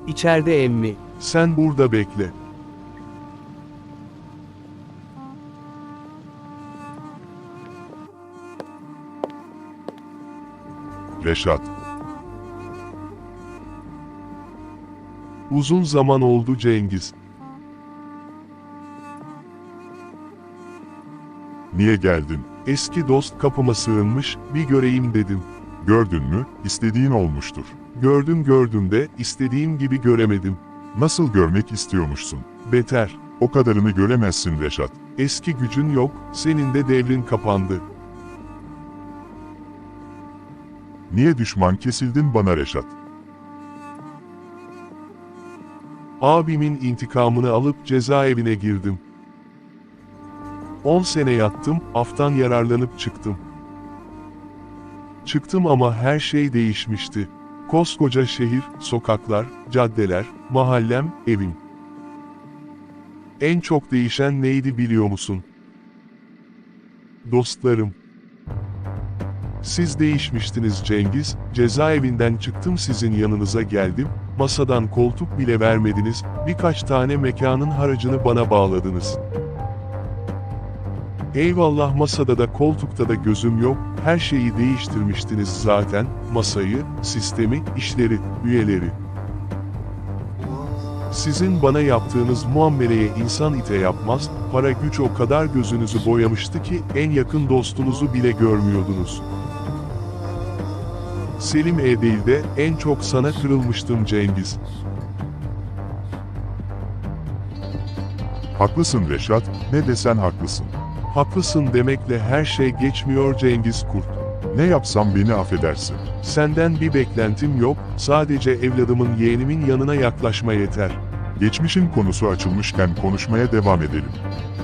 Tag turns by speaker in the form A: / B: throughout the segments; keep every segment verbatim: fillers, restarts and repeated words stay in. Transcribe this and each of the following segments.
A: İçeride emmi.
B: Sen burada bekle.
C: Reşat,
B: Uzun zaman oldu Cengiz.
C: niye geldin?
B: Eski dost kapıma sığınmış, bir göreyim dedim.
C: Gördün mü, istediğin olmuştur.
B: Gördüm gördüm de, istediğim gibi göremedim.
C: Nasıl görmek istiyormuşsun?
B: Beter.
C: O kadarını göremezsin Reşat.
B: Eski gücün yok, senin de devrin kapandı.
C: Niye düşman kesildin bana Reşat?
B: Abimin intikamını alıp cezaevine girdim. On sene yattım, aftan yararlanıp çıktım. Çıktım ama her şey değişmişti. Koskoca şehir, sokaklar, caddeler, mahallem, evim. En çok değişen neydi biliyor musun? Dostlarım. Siz değişmiştiniz Cengiz, cezaevinden çıktım sizin yanınıza geldim, masadan koltuk bile vermediniz, birkaç tane mekanın haracını bana bağladınız. Eyvallah masada da koltukta da gözüm yok, her şeyi değiştirmiştiniz zaten, masayı, sistemi, işleri, üyeleri. Sizin bana yaptığınız muameleye insan ite yapmaz, para güç o kadar gözünüzü boyamıştı ki en yakın dostunuzu bile görmüyordunuz. Selim Ereğli'de en çok sana kırılmıştım Cengiz.
C: Haklısın Reşat, ne desen haklısın.
B: Haklısın demekle her şey geçmiyor Cengiz Kurt.
C: Ne yapsam beni affedersin.
B: Senden bir beklentim yok, sadece evladımın yeğenimin yanına yaklaşma yeter.
C: Geçmişin konusu açılmışken konuşmaya devam edelim.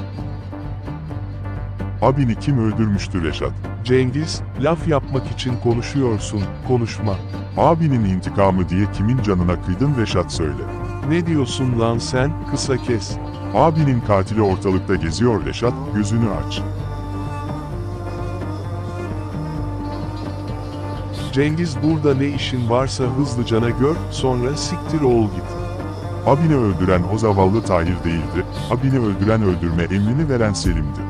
C: Abini kim öldürmüştü Reşat?
B: Cengiz, laf yapmak için konuşuyorsun, konuşma.
C: Abinin intikamı diye kimin canına kıydın Reşat söyle.
B: Ne diyorsun lan sen, kısa kes.
C: Abinin katili ortalıkta geziyor Reşat, gözünü aç.
B: Cengiz burada ne işin varsa hızlıcana gör, sonra siktir ol git.
C: Abini öldüren o zavallı Tahir değildi, abini öldüren öldürme emrini veren Selim'di.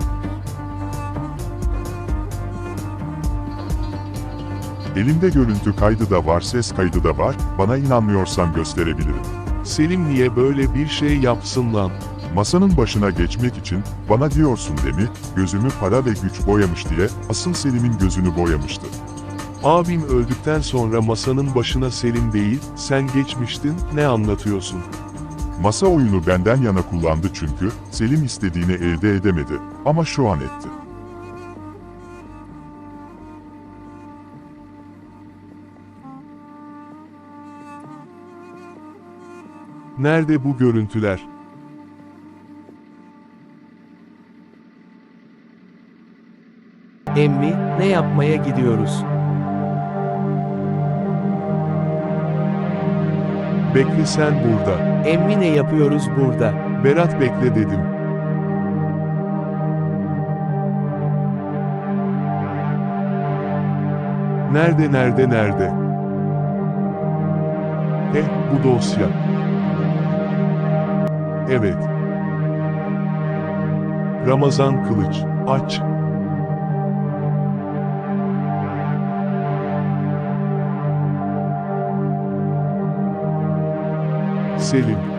C: Elimde görüntü kaydı da var, ses kaydı da var, bana inanmıyorsan gösterebilirim.
B: Selim niye böyle bir şey yapsın lan?
C: Masanın başına geçmek için, bana diyorsun değil mi, gözümü para ve güç boyamış diye, asıl Selim'in gözünü boyamıştı.
B: Abim öldükten sonra masanın başına Selim değil, sen geçmiştin, ne anlatıyorsun?
C: Masa oyunu benden yana kullandı çünkü, Selim istediğini elde edemedi, ama şu an etti.
B: Nerede bu görüntüler?
A: Emmi, ne yapmaya gidiyoruz?
B: Bekle sen burada.
A: Emmi ne yapıyoruz burada?
B: Berat bekle dedim. Nerede nerede nerede? Eh, bu dosya. Evet. Ramazan Kılıç, aç. Selim.